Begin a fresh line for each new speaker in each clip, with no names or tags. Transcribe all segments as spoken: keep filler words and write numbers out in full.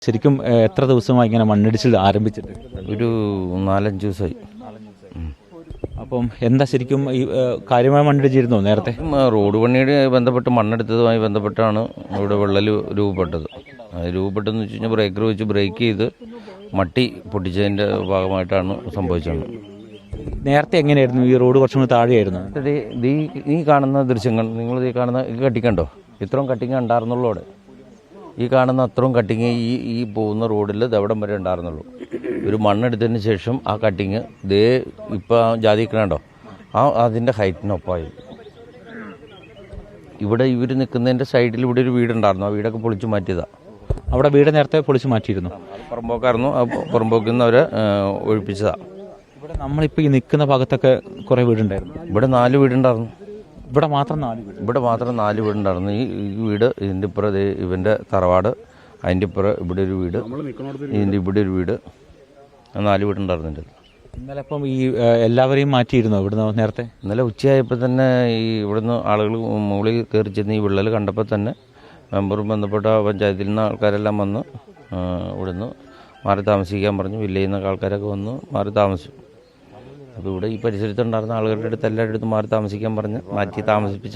ശരിക്കും എത്ര ദിവസമായി ഇങ്ങനെ മണ്ണിടിച്ചിൽ ആരംഭിച്ചിട്ട്?
ഒരു നാലഞ്ച് ദിവസമായി.
അപ്പം എന്താ ശരിക്കും ഈ കാര്യമായ മണ്ണിടിച്ചിരുന്നോ നേരത്തെ?
റോഡ് പണിയുടെ ബന്ധപ്പെട്ട് മണ്ണെടുത്തതുമായി ബന്ധപ്പെട്ടാണ് ഇവിടെ വിള്ളൽ രൂപപ്പെട്ടത്. അത് രൂപപ്പെട്ടെന്ന് വെച്ച് കഴിഞ്ഞാൽ ബ്രേക്കർ വെച്ച് ബ്രേക്ക് ചെയ്ത് മട്ടി പൊട്ടിച്ചതിൻ്റെ ഭാഗമായിട്ടാണ് സംഭവിച്ചത്.
നേരത്തെ എങ്ങനെയായിരുന്നു? ഈ റോഡ് കുറച്ചും കൂടി താഴെയായിരുന്നു.
ഈ ഈ കാണുന്ന ദൃശ്യങ്ങൾ നിങ്ങൾ ഈ കാണുന്ന ഈ കട്ടിങ്ങുണ്ടോ? ഇത്രയും കട്ടിങ് ഉണ്ടായിരുന്നുള്ളൂ അവിടെ. ഈ കാണുന്ന അത്രയും കട്ടിങ് ഈ ഈ പോകുന്ന റോഡിൽ ദവിടം വരെ ഉണ്ടായിരുന്നുള്ളൂ. ഒരു മണ്ണെടുത്തതിന് ശേഷം ആ കട്ടിങ് ദേ ഇപ്പോൾ ജാതിക്കണുണ്ടോ ആ അതിൻ്റെ ഹൈറ്റിനൊപ്പമായി. ഇവിടെ ഇവർ നിൽക്കുന്നതിൻ്റെ സൈഡിൽ ഇവിടെ ഒരു വീടുണ്ടായിരുന്നു. ആ വീടൊക്കെ പൊളിച്ചു മാറ്റിയതാണ്.
അവിടെ വീട് നേരത്തെ പൊളിച്ചു മാറ്റിയിരുന്നു.
പുറമ്പോക്കായിരുന്നു. ആ പുറമ്പോക്കിൽ നിന്ന് അവരെ ഒഴിപ്പിച്ചതാണ്.
ഇവിടെ നമ്മളിപ്പോൾ ഈ നിൽക്കുന്ന ഭാഗത്തൊക്കെ കുറേ വീടുണ്ടായിരുന്നു.
ഇവിടെ നാല് വീടുണ്ടായിരുന്നു.
ഇവിടെ മാത്രം നാല് വീട്
ഇവിടെ മാത്രം നാല് വീടുണ്ടായിരുന്നു. ഈ വീട് ഇതിൻ്റെ ഇപ്പുറം ഇവൻ്റെ തറവാട്, അതിൻ്റെ ഇപ്പുറം ഇവിടെ ഒരു വീട്, ഇതിൻ്റെ ഇവിടെ ഒരു വീട്, നാല് വീടുണ്ടായിരുന്നുണ്ട്.
ഇന്നലെ അപ്പം ഈ എല്ലാവരെയും മാറ്റിയിരുന്നു ഇവിടുന്ന് നേരത്തെ?
ഇന്നലെ ഉച്ചയായപ്പോൾ തന്നെ ഈ ഇവിടുന്ന് ആളുകൾ മുകളിൽ കയറി ചെന്ന് ഈ വിള്ളൽ കണ്ടപ്പോൾ തന്നെ മെമ്പറും ബന്ധപ്പെട്ട പഞ്ചായത്തിൽ നിന്ന് ആൾക്കാരെല്ലാം വന്ന് ഇവിടുന്ന് മാറി താമസിക്കാൻ പറഞ്ഞു. വില്ലേജിൽ നിന്നൊക്കെ ആൾക്കാരൊക്കെ വന്ന് മാറി താമസിച്ചു. അപ്പോൾ ഇവിടെ ഈ പരിസരത്തുണ്ടായിരുന്ന ആളുകളുടെ അടുത്ത് എല്ലാവരുടെ അടുത്ത് മാറി താമസിക്കാൻ പറഞ്ഞ് മാറ്റി താമസിപ്പിച്ച.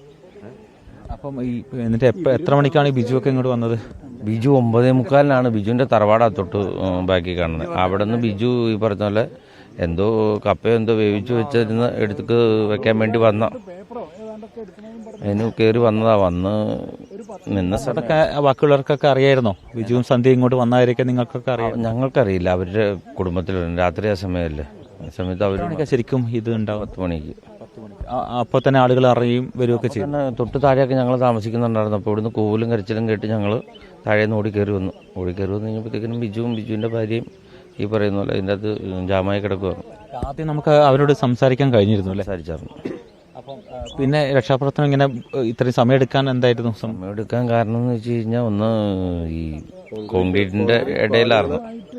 അപ്പം ഈ എന്നിട്ട് എപ്പോൾ എത്ര മണിക്കാണ് ഈ ബിജു ഒക്കെ ഇങ്ങോട്ട് വന്നത്?
ബിജു ഒമ്പതേ മുക്കാലിനാണ്. ബിജുവിൻ്റെ തറവാടാ തൊട്ട് ബാക്കി കാണുന്നത്. അവിടെ നിന്ന് ബിജു ഈ പറഞ്ഞ പോലെ എന്തോ കപ്പയോ എന്തോ വേവിച്ച് വെച്ചിരുന്ന് എടുത്ത് വെക്കാൻ വേണ്ടി വന്ന അതിന് കയറി വന്നതാ. വന്ന് നിന്ന
സ്ഥലത്തൊക്കെ ബാക്കിയുള്ളവർക്കൊക്കെ അറിയായിരുന്നോ ബിജുവും സന്ധ്യ ഇങ്ങോട്ട് വന്നവരൊക്കെ? നിങ്ങൾക്കൊക്കെ അറിയാം?
ഞങ്ങൾക്കറിയില്ല. അവരുടെ കുടുംബത്തിലുണ്ട്. രാത്രി ആ സമയമല്ലേ, ആ സമയത്ത് അവരൊക്കെ
ശരിക്കും ഇത് ഉണ്ടാവും.
പത്ത് മണിക്ക്
അപ്പോൾ തന്നെ ആളുകൾ അറിയും വരികയൊക്കെ ചെയ്യും.
തൊട്ട് താഴെയൊക്കെ ഞങ്ങൾ താമസിക്കുന്നുണ്ടായിരുന്നു. അപ്പോൾ ഇവിടുന്ന് കൂവലും കരച്ചിലും കേട്ട് ഞങ്ങൾ താഴേന്ന് ഓടിക്കയറി വന്നു. ഓടിക്കയറി വന്നു കഴിഞ്ഞപ്പോഴത്തേക്കിനും ബിജുവും ബിജുവിൻ്റെ ഭാര്യയും ഈ പറയുന്ന പോലെ അതിൻ്റെ അകത്ത് ജാമായി കിടക്കുകയാണ്.
ആദ്യം നമുക്ക് അവരോട് സംസാരിക്കാൻ കഴിഞ്ഞിരുന്നു അല്ലേ?
സംസാരിച്ചായിരുന്നു.
അപ്പം പിന്നെ രക്ഷാപ്രവർത്തനം ഇങ്ങനെ ഇത്രയും സമയം എടുക്കാൻ എന്തായിരുന്നു?
സമയം എടുക്കാൻ കാരണം എന്ന് വെച്ച് കഴിഞ്ഞാൽ ഒന്ന് ഈ കോൺക്രീറ്റിൻ്റെ ഇടയിലായിരുന്നു.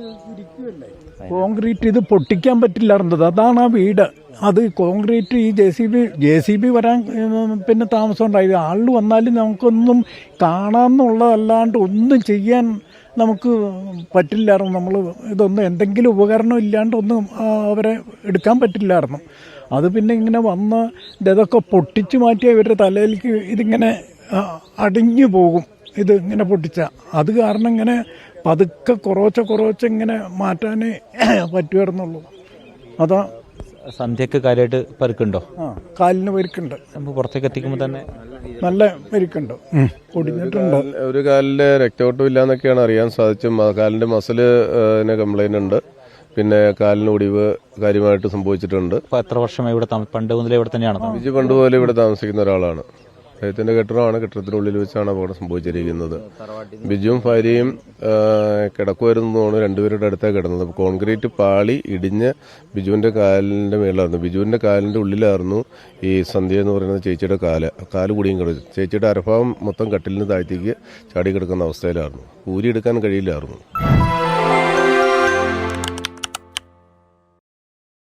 കോൺക്രീറ്റ് ഇത് പൊട്ടിക്കാൻ പറ്റില്ലായിരുന്നത്. അതാണ് ആ വീട്. അത് കോൺക്രീറ്റ് ഈ J C B J C B വരാൻ പിന്നെ താമസം ഉണ്ടായത്. ആളിൽ വന്നാലും നമുക്കൊന്നും കാണാമെന്നുള്ളതല്ലാണ്ട് ഒന്നും ചെയ്യാൻ നമുക്ക് പറ്റില്ലായിരുന്നു. നമ്മൾ ഇതൊന്നും എന്തെങ്കിലും ഉപകരണം ഇല്ലാണ്ട് ഒന്നും അവരെ എടുക്കാൻ പറ്റില്ലായിരുന്നു. അത് പിന്നെ ഇങ്ങനെ വന്ന് ഇതൊക്കെ പൊട്ടിച്ചു മാറ്റിയ ഇവരുടെ തലയിലേക്ക് ഇതിങ്ങനെ അടിഞ്ഞു പോകും. ഇത് ഇങ്ങനെ പൊട്ടിച്ച അത് കാരണം ഇങ്ങനെ പതുക്കെ കുറവച്ച കുറവച്ച ഇങ്ങനെ മാറ്റാനേ പറ്റുമായിരുന്നുള്ളൂ. അതാ.
സന്ധ്യക്ക് കാര്യമായിട്ട് പരുക്കുണ്ടോ?
ആ, കാലിന് പരുക്കുണ്ട്.
നമുക്ക് പുറത്തേക്ക് എത്തിക്കുമ്പോൾ തന്നെ
നല്ല പരുക്കുണ്ട്, പൊടിഞ്ഞിട്ടുണ്ട്.
ഒരു കാലില് രക്തയോട്ടം ഇല്ലാന്നൊക്കെയാണ് അറിയാൻ സാധിച്ചത്. കാലിന്റെ മസില് കംപ്ലൈന്റ് ഉണ്ട്. പിന്നെ കാലിന് ഒടിവ് കാര്യമായിട്ട് സംഭവിച്ചിട്ടുണ്ട്.
എത്ര വർഷമായി ഇവിടെ? പണ്ട് മുതലേ ഇവിടെ തന്നെയാണ്?
ബിജു പണ്ട് പോലെ ഇവിടെ താമസിക്കുന്ന ഒരാളാണ്. അദ്ദേഹത്തിന്റെ കെട്ടിടമാണ്. കെട്ടിടത്തിനുള്ളിൽ വെച്ചാണ് അപകടം സംഭവിച്ചിരിക്കുന്നത്. ബിജുവും ഭാര്യയും കിടക്കുമായിരുന്നു തോന്നുന്നു. രണ്ടുപേരുടെ അടുത്താണ് കിടന്നത്. കോൺക്രീറ്റ് പാളി ഇടിഞ്ഞ് ബിജുവിന്റെ കാലിന്റെ മേളിലായിരുന്നു. ബിജുവിന്റെ കാലിന്റെ ഉള്ളിലായിരുന്നു ഈ സന്ധ്യ എന്ന് പറയുന്ന ചേച്ചിയുടെ കാല്. കാല് കൂടിയും കിടച്ചു. ചേച്ചിയുടെ അരഭാഗം മൊത്തം കട്ടിലിന് താഴ്ത്തേക്ക് ചാടി കിടക്കുന്ന അവസ്ഥയിലായിരുന്നു. ഊരിയെടുക്കാൻ കഴിയില്ലായിരുന്നു.